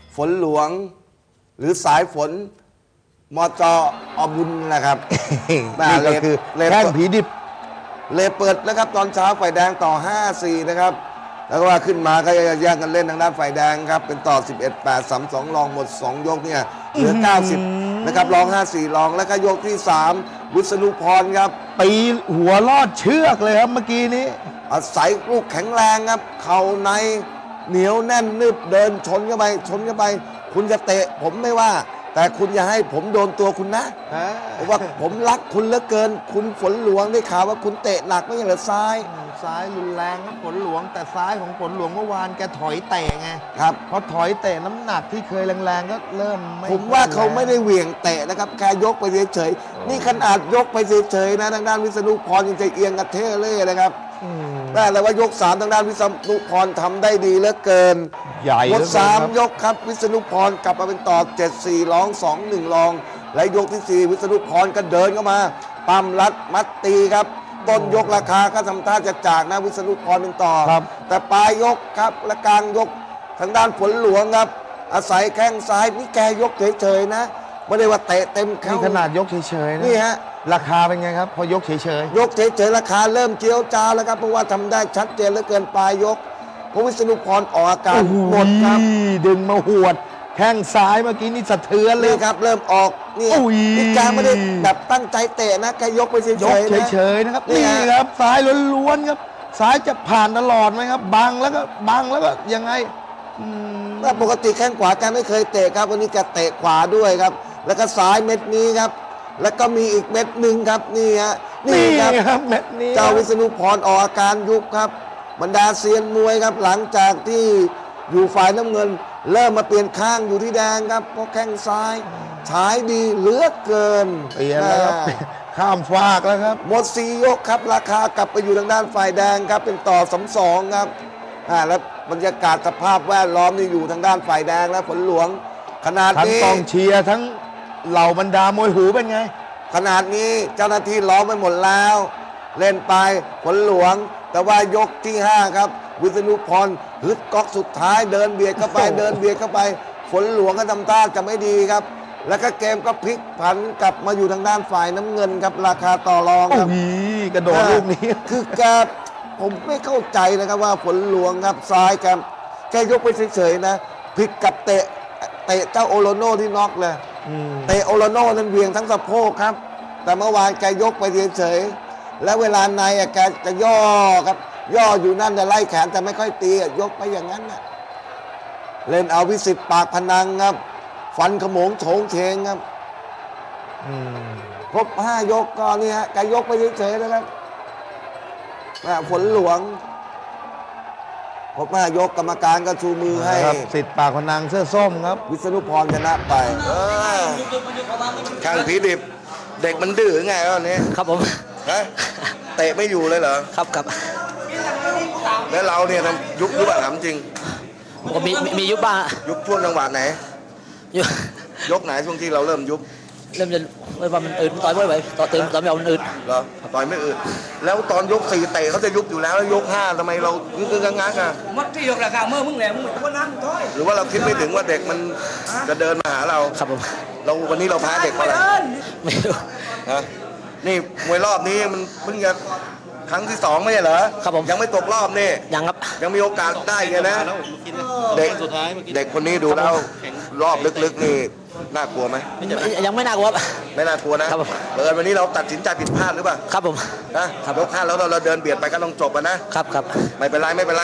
ฝนหลวงหรือสายฝนมจอบุญนะครับนี่ก็คือแข้งผีดิบเลยเปิดนะครับตอนเช้าฝ่ายแดงต่อ 5-4 นะครับแล้วก็ว่าขึ้นมาก็แย่งกันเล่นทางด้านฝ่ายแดงครับเป็นต่อ 11-8 3-2 รองหมด 2 ยกเนี่ยเหลือ 90 นะครับรอง 5-4 รองแล้วก็ยกที่ 3 วิษณุพรครับตีหัวลอดเชือกเลยครับเมื่อกี้นี้อาศัยลูกแข็งแรงครับเข่าในเหนียวแน่นนึบเดินชนเข้าไปคุณจะเตะผมไม่ว่าแต่คุณอย่าให้ผมโดนตัวคุณนะเพราะว่าผมรักคุณเหลือเกินคุณฝนหลวงได้ข่าวว่าคุณเตะหนักไม่ใช่เหรอซ้ายรุนแรงครับฝนหลวงแต่ซ้ายของฝนหลวงเมื่อวานแกถอยเตะไงครับพอถอยเตะน้ำหนักที่เคยแรงๆก็เริ่มไม่ผมว่าเขาไม่ได้เหวี่ยงเตะนะครับแค่ยกไปเฉยๆนี่ขนาดยกไปเฉยๆนะทางด้านวิษณุพรยังใจเอียงกระเทเล่นะครับแต่ว่ายก 3ทางด้านวิษณุพรทำได้ดีเหลือเกินใหญ่หมด3ยกครับวิษณุพรกลับมาเป็นต่อ 7-4 รอง 2-1 รองและยกที่ 4 วิษณุพรก็เดินเข้ามาปั้มรัดมัดตีครับต้นยกราคาก็ทำท่าจะจากนะวิษณุพรเป็นต่อแต่ปลายยกครับและกลางยกทางด้านฝนหลวงครับอาศัยแข้งซ้ายนี่แกยกเฉยๆนะไม่ได้ว่าเตะเต็มเข้าขนาดยกเฉยๆนะนี่ฮะราคาเป็นไงครับพอยกเฉยๆยกเฉยๆราคาเริ่มเจียวจ้าวแล้วครับเพราะว่าทำได้ชัดเจนเหลือเกินปลายยกเพราะวิษณุพรออกอาการหมดครับดึงมาหวดแข้งซ้ายเมื่อกี้นี่สะเทือนเลยครับเริ่มออกนี่แกไม่ได้แบบตั้งใจเตะนะแกยกไปเฉยๆนะครับนี่ครับซ้ายล้วนๆครับซ้ายจะผ่านตลอดไหมครับบังแล้วก็ยังไงถ้าปกติแข้งขวาแกไม่เคยเตะครับวันนี้แกเตะขวาด้วยครับแล้วก็ซ้ายเม็ดนี้ครับแล้วก็มีอีกเม็ดหนึ่งครับนี่ฮะนี่ครับเม็ดนี้เจ้าวิษณุพรออกอาการยุบครับบรรดาเซียนมวยครับหลังจากที่อยู่ฝ่ายน้ำเงินเริ่มมาเปลี่ยนข้างอยู่ที่แดงครับเพราะแข้งซ้ายฉายดีเหลือเกินเปลี่ยนแล้วครับข้ามฟากแล้วครับหมด4 ยกครับราคากลับไปอยู่ทางด้านฝ่ายแดงครับเป็นต่อ 3-2 ครับแล้วบรรยากาศสภาพแวดล้อมนี่อยู่ทางด้านฝ่ายแดงและฝนหลวงขนาดนี้ทั้งกองเชียร์ทั้งเหล่าบรรดามวยหูเป็นไงขนาดนี้เจ้าหน้าที่ล้อมไปหมดแล้วเล่นไปฝนหลวงแต่ว่ายกที่ 5ครับวิษณุพรฮึดก๊อกสุดท้ายเดินเบียดเข้าไปฝนหลวงก็ทำท่าจะไม่ดีครับแล้วก็เกมก็พลิกผันกลับมาอยู่ทางด้านฝ่ายน้ำเงินครับราคาต่อรองครับกระโดดลูกนี้คือแกผมไม่เข้าใจนะครับว่าฝนหลวงครับซ้ายแกยกไปเฉยๆนะพลิกกับเตะเจ้าโอโลโน่ที่น็อกเลยเตะโอโลโน่นั้นเวียงทั้งสะโพกครับแต่เมื่อวานแกยกไปเฉยๆแล้วเวลาในแกจะย่อครับย่ออยู่นั่นแต่ไล่แขนแต่ไม่ค่อยตียกไปอย่างนั้นนะเล่นเอาวิสิตปากพนังครับฟันขโมงโฉงเฉงครับครบ5 ยกก็นี่ฮะแกยกไปเฉยๆนะครับฝนหลวงครบ5 ยกกรรมการก็ชูมือให้สิทธิ์ปากพนังเสื้อส้มครับวิษณุพรชนะไปข้างผีดิบเด็กมันดื้อไงวะนี้ครับผมเตะไม่อยู่เลยเหรอครับแล้วเราเนี่ยทำยุบถามจริงผมมียุบบ้างยุบช่วงจังหวะไหนยกไหนช่วงที่เราเริ่มยุบเริ่มจะว่ามันอืดต่อยไม่ไหวต่อเติมต่อยไม่เอามันอืดเหรอต่อยไม่อืดแล้วตอนยก 4เตะเขาจะยุบอยู่แล้วยก 5ทำไมเรางักมัดที่ยกราคาเมื่อมึงแหลมมึงคนนั้นถอยหรือว่าเราคิดไม่ถึงว่าเด็กมันจะเดินมาหาเราครับผมเราวันนี้เราแพ้เด็กเพราะอะไรไม่รู้นี่มวยรอบนี้มันเพิ่งจะครั้งที่ 2ไม่ใช่เหรอครับผมยังไม่ตกรอบนี่ยังครับยังมีโอกาสได้ไงนะเด็กคนนี้ดูแล้วรอบลึกๆนี่น่ากลัวไหมยังไม่น่ากลัวไม่น่ากลัวนะวันนี้เราตัดสินใจผิดพลาดหรือเปล่าครับผมนะยก5แล้วเราเดินเบียดไปก็ต้องจบนะครับไม่เป็นไร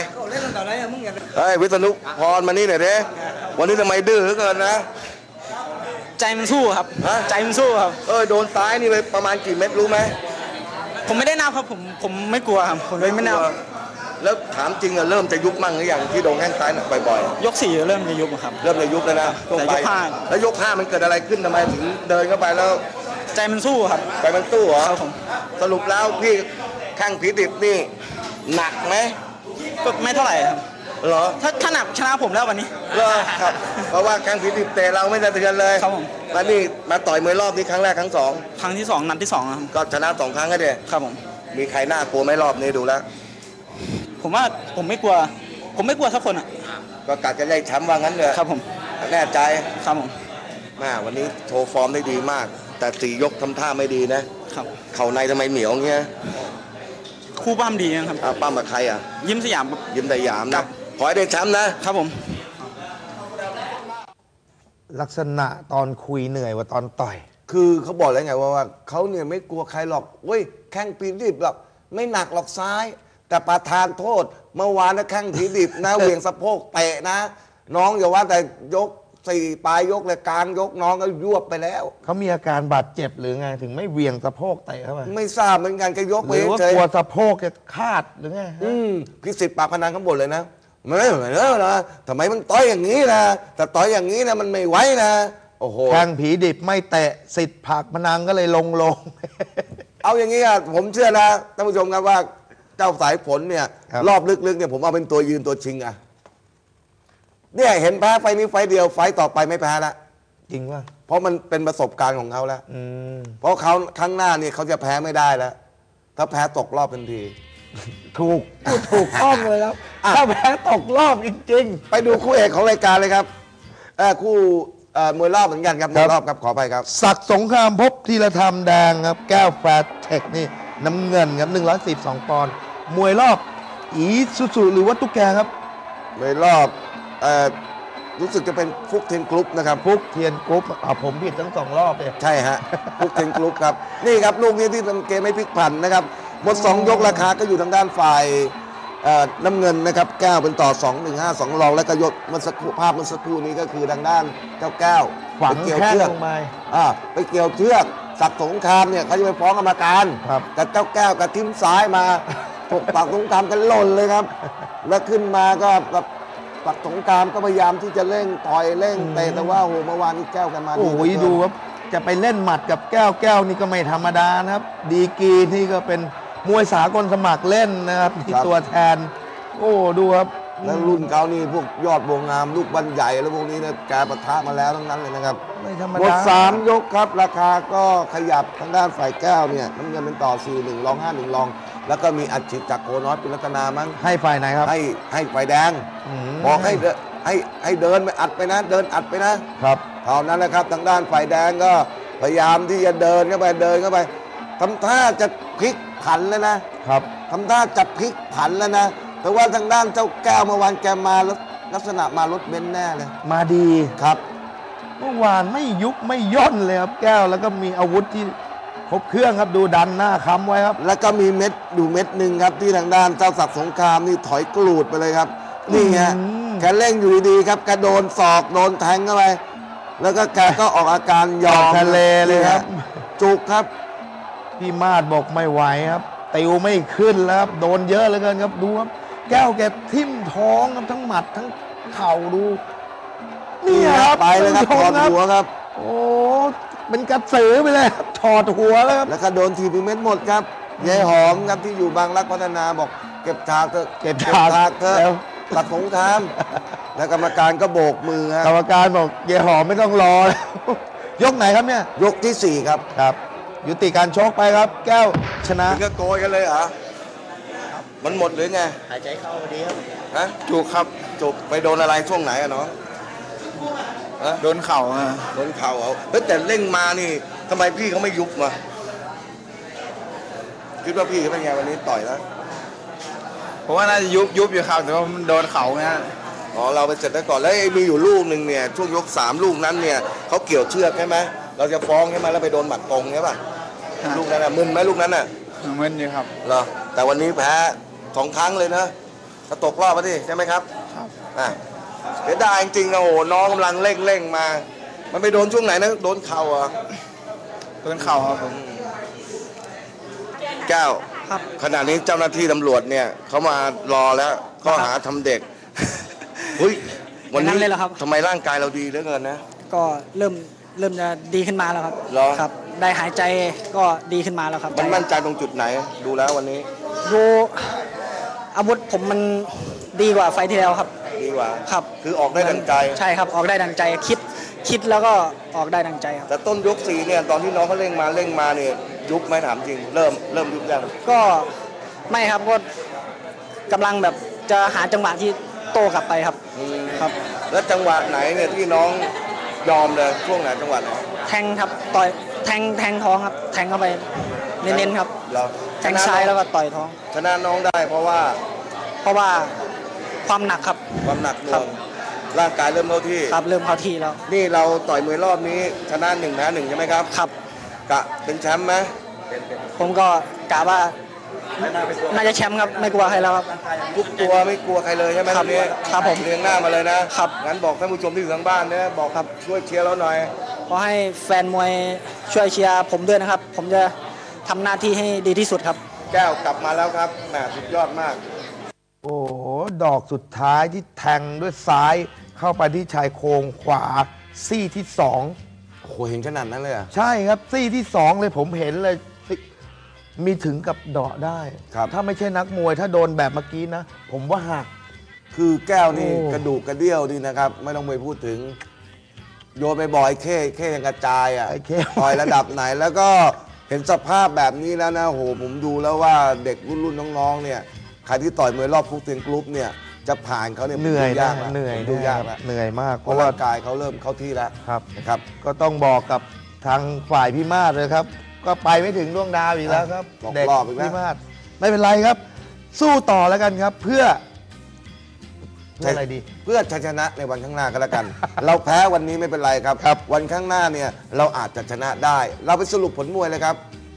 วิษณุพรมานี่หน่อยเด้วันนี้ทำไมดื้อเกินนะใจมันสู้ครับใจมันสู้ครับโดนซ้ายนี่ไปประมาณกี่เม็ดรู้ไหมผมไม่ได้นับครับผมไม่กลัวครับผมเลยไม่นับแล้วถามจริงเริ่มจะยุบมั่งหรือยังที่โดนแข้งซ้ายหนักบ่อยๆยก 4เริ่มจะยุบครับเริ่มจะยุบแล้วนะแต่ยก 5แล้วยก 5มันเกิดอะไรขึ้นทำไมถึงเดินเข้าไปแล้วใจมันสู้ครับใจมันสู้เหรอครับผมสรุปแล้วพี่ข้างผีดิบนี่หนักไหมก็ไม่เท่าไหร่ครับเหรอถ้าหนักชนะผมแล้ววันนี้เหรอครับเพราะว่าข้างผีดิบเตะเราไม่สะเทือนเลยครับผมแล้วนี่มาต่อยมวยรอบนี้ครั้งแรกครั้งที่ 2นัดที่2ครับก็ชนะ2 ครั้งก็เดียครับผมมีใครน่ากลัวไหมรอบนี้ดูแล้วผมว่าผมไม่กลัวสักคนอ่ะก็กัดกันได้แชมป์ว่างั้นเลยครับผมแน่ใจครับผมวันนี้โชว์ฟอร์มได้ดีมาก แต่4 ยกทำท่าไม่ดีนะครับ เข่าในทำไมเหนียวเงี้ยคู่ปั้มดีนะครับปั้มกับใครอ่ะยิ้มสยามครับยิ้มแต่หยามครันะบขอให้ได้แชมป์นะครับผมลักษณะตอนคุยเหนื่อยกว่าตอนต่อยคือเขาบอกแล้วไงว่าเขาเนี่ยไม่กลัวใครหรอกเว้ยแข้งปีดิบหรอกไม่หนักหรอกซ้าย แต่ประธานโทษเมื่อวานนะแข้งผีดิบนะ เหวี่ยงสะโพกเตะนะ น้องอย่าว่าแต่ยก4 ปลายยกเลยกลางยกน้องก็ยวบไปแล้วเขามีอาการบาดเจ็บหรือไงถึงไม่เหวียงสะโพกเตะเข้าไปไม่ทราบเหมือนกันแกยกหไปรือว่าเฉยกลัวสะโพกจะคาดหรือไงพิสิทธิ์ปากพนังข้างบนเลยนะไม่เหมือนนะทำไมมันต่อยอย่างนี้นะแต่ต่อยอย่างนี้นะมันไม่ไหวนะโอ้โหแข้งผีดิบไม่เตะสิทธิ์ผักพนังก็เลยลงเอาอย่างนี้อ่ะผมเชื่อนะท่านผู้ชมครับว่าเจ้าสายฝนเนี่ยครับรอบลึกๆเนี่ยผมเอาเป็นตัวยืนตัวชิงอ่ะเนี่ยเห็นแพ้ไฟนี้ไฟเดียวไฟต่อไปไม่แพ้ละจริงว่าเพราะมันเป็นประสบการณ์ของเขาแล้ว เพราะเขาครั้งหน้านี่เขาจะแพ้ไม่ได้แล้ว ถ้าแพ้ตกรอบทันทีถูกต้องเลยครับถ้าแพ้ตกรอบจริงไปดูคู่เอกของรายการเลยครับคู่มวยรอบเหมือนกันครับมวยรอบครับขอไปครับๆศักดิ์สงครามพบธีรธรรมแดงครับ แก้วแฟร์เทคนี่น้ำเงินครับ112 ปอนด์มวยรอบอีซูซูหรือว่าตุ๊กแกครับมวยรอบรู้สึกจะเป็นฟุกเทนกรุ๊ปนะครับฟุกเทียนกรุ๊ปผมผิดทั้ง2 รอบเลยใช่ฮะฟุกเทนกรุ๊ปครับนี่ครับลูกนี้ที่ทำเกมไม่พลิกผันนะครับหมด2 ยกราคาก็อยู่ทางด้านฝ่ายน้ำเงินนะครับแก้วเป็นต่อ 2-1-5-2 รองและก็ยศเมื่อสักครู่ภาพเมื่อสักครู่นี้ก็คือทางด้านเจ้าแก้วฝังไปเกี่ยวแข้งเชือกลงไปไปเกี่ยวเชือกศักดิ์สงครามเนี่ยเขาจะไปฟ้องกรรมการครับกับเจ้าแก้วกับทิมซ้ายมาถกศักดิ์สงครามกันหล่นเลยครับ แล้วขึ้นมาก็แบบศักดิ์สงครามก็พยายามที่จะเร่งต่อยเร่งเตะแต่ว่าโอ้โหเมื่อวานนี้แก้วกันมาโอ้เหลืยเกินดูครับจะไปเล่นหมัดกับแก้วนี่ก็ไม่ธรรมดานะครับ ดีกรีนี่ก็เป็นมวยสากลสมัครเล่นนะครับที่ตัวแทน โอ้ดูครับแล้วรุ่นเขานี่พวกยอดวงงามลูกบันใหญ่แล้วพวกนี้เนี่ยแกปะทะมาแล้วทั้งนั้นเลยนะครับไม่ธรรมหมดดา 3 ยกครับ ราคาก็ขยับทางด้านฝ่ายแก้วเนี่ยน้ำเงินเป็นต่อ 4-1 รอง 5-1 รอง แล้วก็มีอัดฉีดจากโคน้อยเป็นรัตนามั้งให้ฝ่ายไหนครับให้ฝ่ายแดงมบอกให้เดินไปอัดไปนะ เดินอัดไปนะครับ เท่านั้นนะครับทางด้านฝ่ายแดงก็พยายามที่จะเดินเข้าไปทำท่าจะพลิกผันแล้วนะครับ ทำท่าจะพลิกผันแล้วนะแต่ว่าทางด้านเจ้าแก้วเมื่อวานแกมาลักษณะมารถเบนซ์แน่เลยมาดีครับเมื่อวานไม่ยุบไม่ย่นเลยครับแก้วแล้วก็มีอาวุธที่ครบเครื่องครับดูดันหน้าค้ำไว้ครับแล้วก็มีเม็ดอยู่เม็ดหนึ่งครับที่ทางด้านเจ้าศักดิ์สงครามนี่ถอยกรูดไปเลยครับ นี่ฮะอืมแกเร่งอยู่ดีๆครับแกโดนศอกโดนแทงเข้าไปแล้วก็แกก็ออกอาการยอมทะเลเลยครับนี่ฮะจุกครับพี่มาดบอกไม่ไหวครับติวไม่ขึ้นแล้วครับโดนเยอะเหลือเกินครับดูครับแก้วแกทิ่มท้องครับทั้งหมัดทั้งเข่าดูนี่ครับไปเลยครับถอดท่านผู้ชมหัวครับโอ้เป็นกระสือไปเลยครับถอดหัวแล้วครับแล้วก็โดนทีพีเม็ดหมดครับยายหอมครับที่อยู่บางรักพัฒนาบอกเก็บฉากเถอะเก็บฉากเถอะแล้วตัดสงครามแล้วกรรมการก็โบกมือฮะกรรมการบอกเยายหอมไม่ต้องรอแล้ว ยกไหนครับเนี่ยยกที่ 4 ครับครับ ยุติการชกไปครับ แก้วชนะถึงก็โกยกันเลยเหรอมันหมดหรือไงหายใจเข้าดีครับฮะจุกครับจุกไปโดนอะไรช่วงไหนอะน้องฮะโดนเข่าโดนเข่าเอาเฮ้ยแต่เร่งมานี่ทำไมพี่เขาไม่ยุบมาคิดว่าพี่เขาเป็นไงวันนี้ต่อยแล้วผมว่าน่าจะยุบอยู่ครับแต่ว่ามันโดนเข่าไงอ๋อเราไปเสร็จแล้วก่อนแล้วไอ้มีอยู่ลูกหนึ่งเนี่ยช่วงยก3 ลูกนั้นเนี่ยเขาเกี่ยวเชือกใช่ไหมเราจะฟ้องใช่ไหมแล้วไปโดนหมัดตรงใช่ป่ะลูกนั้นน่ะมึนไหมลูกนั้นน่ะมึนอยู่ครับเหรอแต่วันนี้แพ้2 ครั้งเลยนะถ้าตกรอบมาดิใช่ไหมครับครับอ่ะเสียดายจริงๆนะโอ้โหน้องกำลังเร่งมา มันไปโดนช่วงไหนนะโดนเข่าเหรอ่ะโดนเข่าครับผมแก้วครับขณะนี้เจ้าหน้าที่ตำรวจเนี่ยเขามารอแล้วข้อหาทำเด็กเฮ้ยวันนี้อย่างนั้นเลยเหรอครับทำไมร่างกายเราดีเหลือเกินนะก็เริ่มจะดีขึ้นมาแล้วครับเหรอครับ ได้หายใจก็ดีขึ้นมาแล้วครับมันมั่นใจตรงจุดไหนดูแล้ววันนี้ดูอาวุธผมมันดีกว่าไฟล์ที่แล้วครับดีกว่าครับคือออกได้ดังใจใช่ครับออกได้ดังใจคิดแล้วก็ออกได้ดังใจครับแต่ต้นยก4เนี่ยตอนที่น้องเขาเร่งมาเนี่ยยุบไหมถามจริงเริ่มยุบยังก็ไม่ครับก็กำลังแบบจะหาจังหวะที่โต้กลับไปครับ ครับแล้วจังหวะไหนเนี่ยที่น้องยอมเลยช่วงไหนจังหวะไหนแทงครับต่อยแทงท้องครับ แทงเข้าไปเน้นๆครับเราแทงซ้ายแล้วก็ต่อยท้องชนะน้องได้เพราะว่าเพราะว่าความหนักครับความหนักหน่ครัวบงร่างกายเริ่มเข้าที่ครับเริ่มเข้าที่แล้วนี่เราต่อยมวยรอบนี้ชนะ1 แพ้ 1ใช่ไหมครับครับกะเป็นแชมป์ไหมผมก็กะว่าน่าจะแชมป์ครับไม่กลัวใครแล้วครับทุกตัวไม่กลัวใครเลยใช่ไหมครับวันนี้ครับผมเรียงหน้ามาเลยนะครับ งั้นบอกท่านผู้ชมที่อยู่ทางบ้านนะบอกครับช่วยเชียร์เราหน่อยขอให้แฟนมวยช่วยเชียร์ผมด้วยนะครับ ผมจะทำหน้าที่ให้ดีที่สุดครับแก้วกลับมาแล้วครับแหมสุดยอดมากโอ้โห ดอกสุดท้ายที่แทงด้วยซ้ายเข้าไปที่ชายโครงขวาซี่ที่สองโอ้โหเห็นขนาดนั้นเลยเหรอใช่ครับซี่ที่สองเลยผมเห็นเลยมีถึงกับเดาะได้ครับถ้าไม่ใช่นักมวยถ้าโดนแบบเมื่อกี้นะ ผมว่าหักคือแก้วนี่โอ้กระดูกกระเดี่ยวดีนะครับ ไม่ต้องไปพูดถึง โยนไปบ่อยเข้ยังกระจายอ่ะไอ้เข้ต่อยระดับไหนแล้วก็เห็นสภาพแบบนี้แล้วนะโหผมดูแล้วว่าเด็กรุ่นน้องๆเนี่ยใครที่ต่อยมวยรอบฟุกเซียนกรุ๊ปเนี่ยจะผ่านเขาเนี่ยเหนื่อยดูนะยากะเหนื่อยดูยากแล้วเหนื่อยมากเพเพราะราะว่าร่างกายเขาเริ่มเข้าที่แล้วครับนะครับก็ต้องบอกกับทางฝ่ายพี่มาศเลยครับ ก็ไปไม่ถึงดวงดาวอีกแล้วครับตกเด็กรอบอีกแล้วพี่มาศไม่เป็นไรครับ สู้ต่อแล้วกันครับ เพื่ออะไรดีเพื่อชัยชนะในวันข้างหน้าก็แล้วกัน เราแพ้วันนี้ไม่เป็นไรครับ วันข้างหน้าเนี่ยเราอาจจะชนะได้ เราไปสรุปผลมวยเลยครับ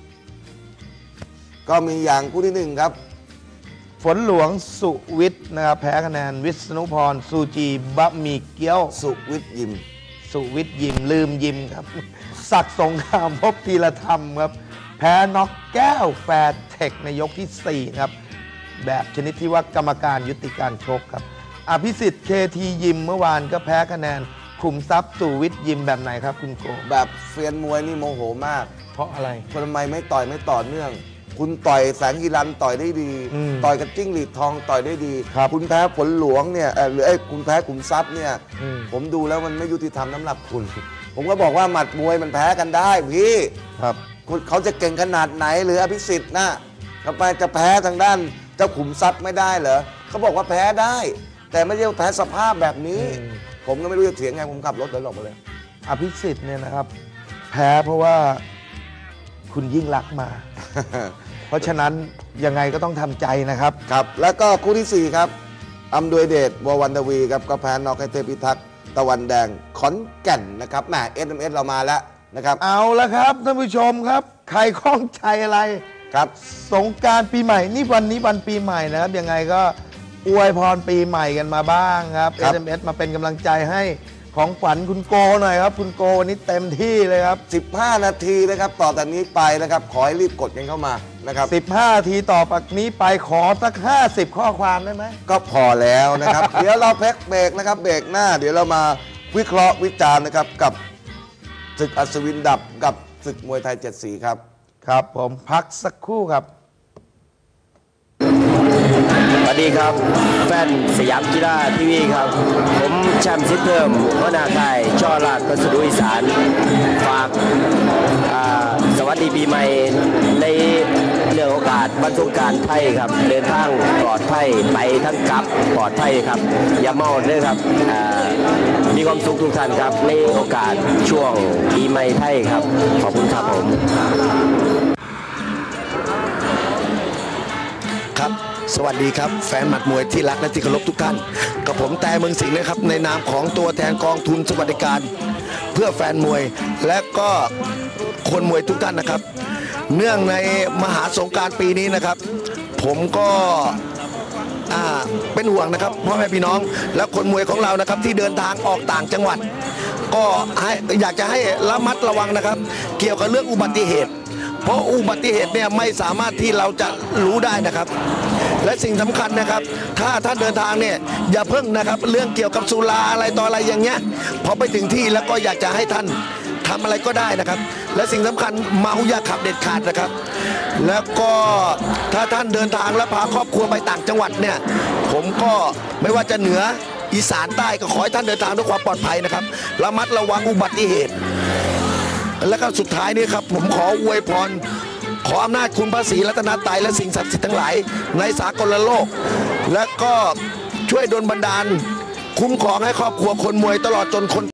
ก็มีอย่างคู่ที่หนึ่งครับฝนหลวงสุวิทย์นะครับแพ้คะแนนวิษณุพรซูจีบะหมี่เกี๊ยวสุวิทย์ยิมสุวิทย์ยิมลืมยิมครับ ศักดิ์สงครามพบธีรธรรมครับ แพ้น็อกแก้วแฟร์เทคในยกที่ 4 ครับ แบบชนิดที่ว่ากรรมการยุติการชกครับ อภิสิทธิ์เคทียิมเมื่อวานก็แพ้คะแนนขุมทรัพย์สุวิทย์ยิมแบบไหนครับคุณโกแบบเฟียนมวยนี่โมโหมากเพราะอะไรคนทำไมไม่ต่อยไม่ต่อเนื่อง คุณต่อยแสงกีรันต่อยได้ดีอืมต่อยกับจิ้งหรีดทองต่อยได้ดีครับคุณแพ้ผลหลวงเนี่ยหรือไอ้คุณแพ้ขุมทรัพย์เนี่ยอืมผมดูแล้วมันไม่ยุติธรรมน้ำหรับคุณ ผมก็บอกว่าหมัดมวยมันแพ้กันได้พี่ครับเขาจะเก่งขนาดไหนหรืออภิสิทธิ์นะทำไมจะแพ้ทางด้านเจ้าขุมทรัพย์ไม่ได้เหรอเขาบอกว่าแพ้ได้ แต่ไม่ใช่ว่าแพ้สภาพแบบนี้ ผมก็ไม่รู้จะเถียงไงผมขับรถเดินออกมาเลยอภิสิทธิ์เนี่ยนะครับ แพ้เพราะว่าคุณยิ่งรักษณ์มา เพราะฉะนั้นยังไงก็ต้องทำใจนะครับครับ แล้วก็คู่ที่ 4 ครับอำดวยเดชววันทวีครับก็แพ้นอกให้เทพิทักษ์ตะวันแดงขอนแก่นนะครับแหม SMS เรามาแล้วนะครับเอาละครับท่านผู้ชมครับ ใครข้องใจอะไรครับสงกรานต์ปีใหม่นี่วันนี้วันปีใหม่นะครับยังไงก็อวยพรปีใหม่กันมาบ้างครับครับ SMS มาเป็นกำลังใจให้ของขวัญคุณโกหน่อยครับ คุณโกวันนี้เต็มที่เลยครับ 15 นาทีนะครับต่อจากนี้ไปนะครับขอให้รีบกดกันเข้ามานะครับ 15นาทีต่อจากนี้ไปขอสัก 50 ข้อความได้ไหมก็พอแล้วนะครับ เดี๋ยวเราพักเบรกนะครับเบรกหน้า เดี๋ยวเรามาวิเคราะห์วิจารณ์นะครับกับศึกอัศวินดับกับศึกมวยไทย7 สีครับครับผมพักสักครู่ครับสวัสดีครับแฟนสยามกีฬาทีวีครับ ผมแชมป์ซิดเพิ่มหัวหน้าค่ายช่อราชพัสดุอีสานฝากสวัสดีปีใหม่ในเรื่องโอกาสวันสงกรานต์ไทยครับ เดินทางปลอดภัยไปทั้งกลับปลอดภัยครับ อย่าเมาเลยครับมีความสุขทุกท่านครับในโอกาสช่วงปีใหม่ไทยครับขอบคุณครับผมครับสวัสดีครับแฟนหมัดมวยที่รักและที่เคารพทุกท่านกับผมแต่เมืองสิงห์นะครับในนามของตัวแทนกองทุนสวัสดิการ เพื่อแฟนมวยและก็คนมวยทุกท่านนะครับ เนื่องในมหาสงกรานต์ปีนี้นะครับ ผมก็เป็นห่วงนะครับพ่อแม่พี่น้องและคนมวยของเรานะครับที่เดินทางออกต่างจังหวัด ก็อยากจะให้ระมัดระวังนะครับ เกี่ยวกับเรื่องอุบัติเหตุ เพราะอุบัติเหตุเนี่ยไม่สามารถที่เราจะรู้ได้นะครับ และสิ่งสำคัญนะครับ ถ้าท่านเดินทางเนี่ยอย่าเพิ่งนะครับเรื่องเกี่ยวกับสุราอะไรต่ออะไรอย่างเงี้ยพอไปถึงที่แล้วก็อยากจะให้ท่านทำอะไรก็ได้นะครับ และสิ่งสำคัญเมาอย่าขับเด็ดขาดนะครับ แล้วก็ถ้าท่านเดินทางและพาครอบครัวไปต่างจังหวัดเนี่ยผมก็ไม่ว่าจะเหนืออีสานใต้ก็ขอให้ท่านเดินทางด้วยความปลอดภัยนะครับระมัดระวังอุบัติเหตุ และก็สุดท้ายนี้ครับผมขออวยพรขออำนาจคุณพระศรีรัตนตรัยและสิ่งศักดิ์สิทธิ์ทั้งหลายในสากลโลก และก็ช่วยช่วยดลบันดาลคุ้มครองให้ครอบครัวคนมวยตลอดจนคน